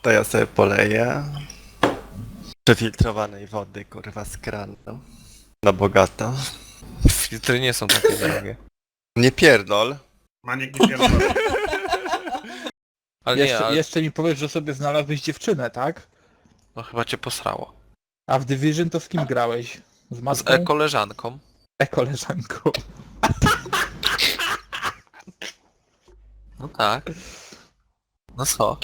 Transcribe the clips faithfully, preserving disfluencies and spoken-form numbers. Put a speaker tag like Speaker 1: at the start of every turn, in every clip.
Speaker 1: To ja sobie poleję. Przefiltrowanej wody, kurwa, z kranu. Na bogato.
Speaker 2: Filtry nie są takie drogie.
Speaker 1: Nie pierdol.
Speaker 3: Maniek nie pierdolę.
Speaker 2: Ale nie,
Speaker 4: Jeszcze,
Speaker 2: ale
Speaker 4: jeszcze mi powiesz, że sobie znalazłeś dziewczynę, tak?
Speaker 2: no chyba cię posrało.
Speaker 4: A w Division to z kim grałeś? Z
Speaker 2: Z
Speaker 4: matką?
Speaker 2: e-koleżanką.
Speaker 4: E-koleżanką.
Speaker 2: No tak. No co?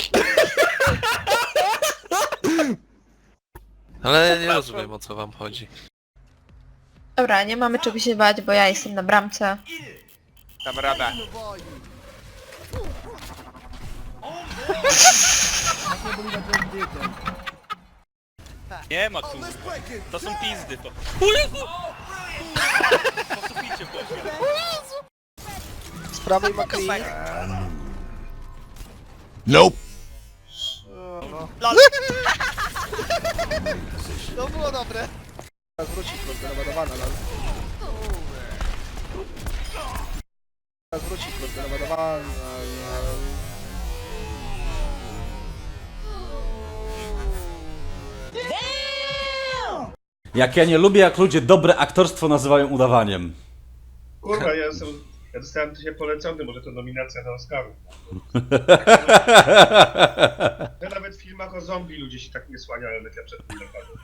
Speaker 2: Ale ja nie rozumiem, o co wam chodzi.
Speaker 5: Dobra, nie mamy czego się bać, bo ja jestem na bramce.
Speaker 6: Dam radę.
Speaker 7: Nie ma tu. To są pizdy to. O Jezu! Po suficie poszło.
Speaker 6: Z prawej McLean. To było dobre. Wrócić, bo zdenerwowana, lol. Wrócić, bo zdenerwowana, lol.
Speaker 8: Jak ja nie lubię, jak ludzie dobre aktorstwo nazywają udawaniem.
Speaker 3: Kurwa, ja, jestem, ja dostałem się polecony, może to nominacja na Oscarów. Ja nawet w filmach o zombie ludzie się tak nie słaniają, jak ja przed tym napadłem.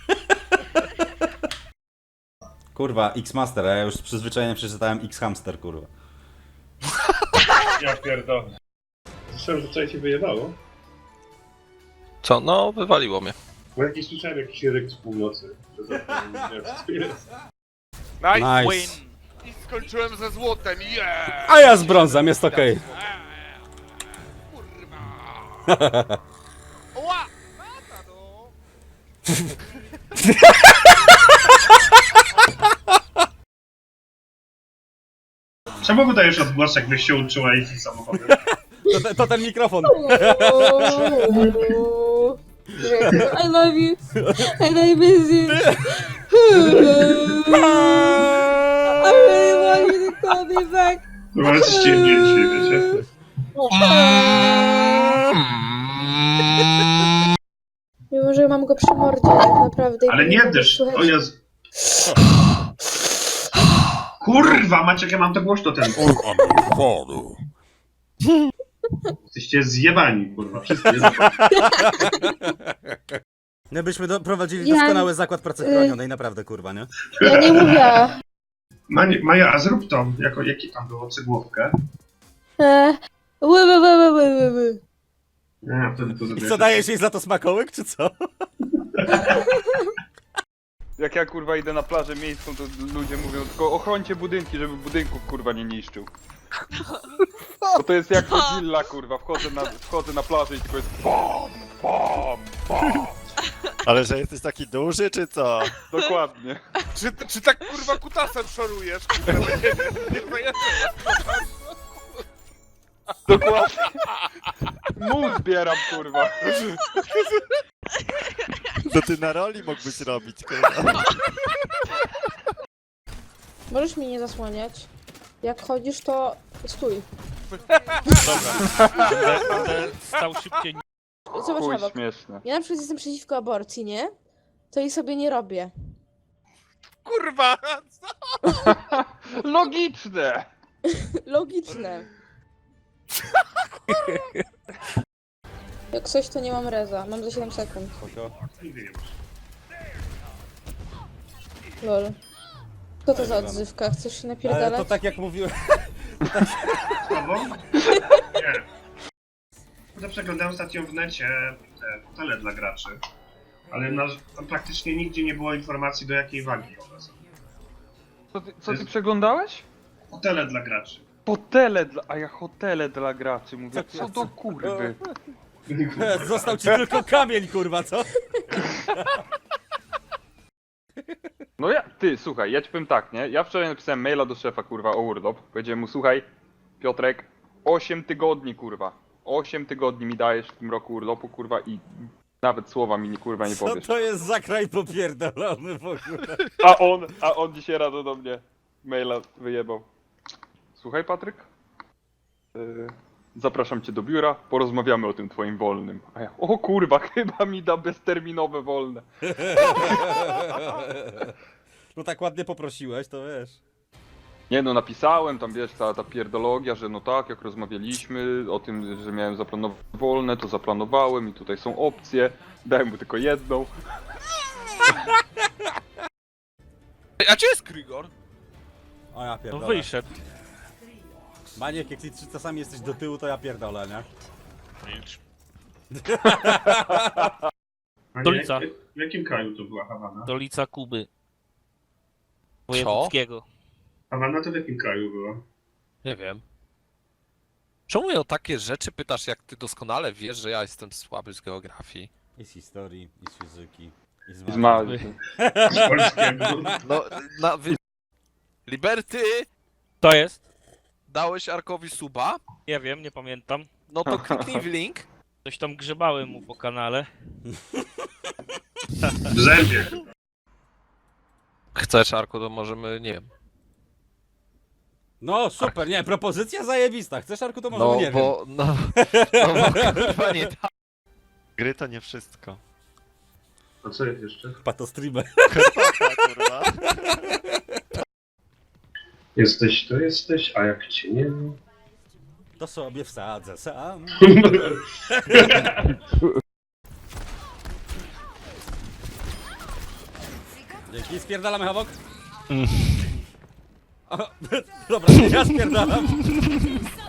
Speaker 8: Kurwa, X-Master, a ja już z przyzwyczajeniem przeczytałem X-Hamster, kurwa.
Speaker 3: Ja pierdolę. Słyszałem, że wczoraj się wyjebało.
Speaker 2: Co? No, wywaliło mnie.
Speaker 3: Bo jakiś słyszałem jakiś ryk z północy. Że za tym, nie wiem, co to jest.
Speaker 6: Nice,
Speaker 8: Nice.
Speaker 6: win! I skończyłem ze złotem, yeah!
Speaker 8: A ja z brązem, jest okej.
Speaker 6: Kurwa! Oła! Mata, no!
Speaker 3: Czemu wydajesz odgłos, jakbyś się uczyła jeździć samochodem?
Speaker 8: To, te- to ten mikrofon.
Speaker 5: I love you. And I miss you. I really want you to call me back.
Speaker 3: Kurwa, ale coś ciemniej dzisiaj, wiecie?
Speaker 5: Mimo, że mam go przy mordzie, tak naprawdę.
Speaker 3: Ale nie desz, o jest. Kurwa, Maciek, ja mam to głośno ten. Jesteście zjebani, kurwa, wszyscy zjebani.
Speaker 8: My byśmy do, prowadzili
Speaker 5: Ja-
Speaker 8: doskonały zakład pracy chronionej, naprawdę, kurwa, nie?
Speaker 5: Ja nie mówię.
Speaker 3: Mani- Maja, a zrób to, jako, jaki tam było cygłówkę.
Speaker 5: Eee, ły, ły, ły, ły, ły, ły, ły.
Speaker 3: Nie, wtedy to
Speaker 8: I
Speaker 3: zrobię.
Speaker 8: co, dajesz jej za to smakołyk, czy co?
Speaker 9: Jak ja kurwa idę na plażę miejską, to ludzie mówią tylko ochrońcie budynki, żeby budynków kurwa nie niszczył. Bo to jest jak Godzilla kurwa, wchodzę na, wchodzę na plażę i tylko jest BAM! BAM! BAM!
Speaker 1: Ale że jesteś taki duży, czy co?
Speaker 9: Dokładnie.
Speaker 6: Czy, czy tak kurwa kutasem szorujesz? Kurwa, nie, nie, nie, nie,
Speaker 9: Dokładnie. Mu zbieram kurwa.
Speaker 1: To ty na roli mógłbyś robić, kurwa.
Speaker 5: Możesz mi nie zasłaniać. Jak chodzisz, to stój.
Speaker 7: Będę stał szybciej.
Speaker 5: Zobacz
Speaker 9: Chuj
Speaker 5: na bok.
Speaker 9: śmieszne.
Speaker 5: Ja na przykład jestem przeciwko aborcji, nie? To jej sobie nie robię.
Speaker 6: kurwa!
Speaker 9: Logiczne!
Speaker 5: Logiczne. Jak coś, to nie mam reza. Mam za siedem sekund.
Speaker 3: Nigdy nie masz.
Speaker 5: Lol. Co to za odzywka? Chcesz się
Speaker 8: Ale
Speaker 5: napierdalać?
Speaker 8: to tak jak mówiłem.
Speaker 3: Słabo? Nie. No to przeglądałem ostatnio w necie te hotele dla graczy. Ale na, tam praktycznie nigdzie nie było informacji, do jakiej wagi one są.
Speaker 9: Co ty, co ty przeglądałeś?
Speaker 3: Hotele dla graczy.
Speaker 9: Hotele dla... a ja hotele dla graczy mówię.
Speaker 8: Co-
Speaker 9: Co do kurwy?
Speaker 8: Został ci tylko kamień, kurwa, co?
Speaker 9: No ja, ty, słuchaj, ja ci powiem tak, nie? Ja wczoraj napisałem maila do szefa, kurwa, o urlop. Powiedziałem mu, słuchaj, Piotrek, osiem tygodni, kurwa. osiem tygodni mi dajesz w tym roku urlopu, kurwa, i nawet słowa mi, nie, kurwa, nie
Speaker 8: Co
Speaker 9: powiesz.
Speaker 8: to jest za kraj popierdolony w ogóle?
Speaker 9: A on, a on dzisiaj rano do mnie maila wyjebał. Słuchaj, Patryk, yy, zapraszam cię do biura, porozmawiamy o tym twoim wolnym. A ja, o kurwa, chyba mi da bezterminowe wolne.
Speaker 8: No tak ładnie poprosiłeś, to wiesz.
Speaker 9: Nie no, napisałem tam, wiesz, cała ta pierdologia, że no tak, jak rozmawialiśmy o tym, że miałem zaplanować wolne, to zaplanowałem i tutaj są opcje. Dałem mu tylko jedną.
Speaker 2: A gdzie jest Krigor?
Speaker 8: O ja
Speaker 7: No
Speaker 8: pierdolę.
Speaker 7: wyszedł.
Speaker 8: Maniek, jak ty czasami jesteś do tyłu, to ja pierdolę, nie?
Speaker 7: Milcz.
Speaker 3: A nie,
Speaker 7: Stolica.
Speaker 3: jak- W jakim kraju to była Hawana?
Speaker 7: Stolica Kuby. Wojewódzkiego.
Speaker 3: Hawana to w jakim kraju była?
Speaker 2: Nie wiem. Czemu mnie o takie rzeczy pytasz, jak ty doskonale wiesz, że ja jestem słaby z geografii?
Speaker 8: I z historii, i z fizyki, i z
Speaker 9: I z
Speaker 8: matematyki.
Speaker 9: ma...
Speaker 3: Z polskiego.
Speaker 2: No, na... Wy... Liberty!
Speaker 7: To jest?
Speaker 2: Dałeś Arkowi suba?
Speaker 7: Nie wiem, nie pamiętam.
Speaker 2: No to kliknij w link.
Speaker 7: Coś tam grzebałem mu po kanale.
Speaker 3: W zębie.
Speaker 2: Chcesz, Arku, to możemy, nie wiem.
Speaker 8: No super, nie, propozycja zajebista. Chcesz, Arku, to może
Speaker 2: No,
Speaker 8: nie wiem.
Speaker 2: bo, no, no bo kurwa nie tak.
Speaker 1: Gry to nie wszystko.
Speaker 3: A co jest jeszcze?
Speaker 8: Pato streamer.
Speaker 1: Kurwa.
Speaker 3: Jesteś, to jesteś, a jak cię nie ma?
Speaker 8: To sobie wsadzę sam. Dzięki, spierdalamy Hawok. O, dobra, ja spierdalam.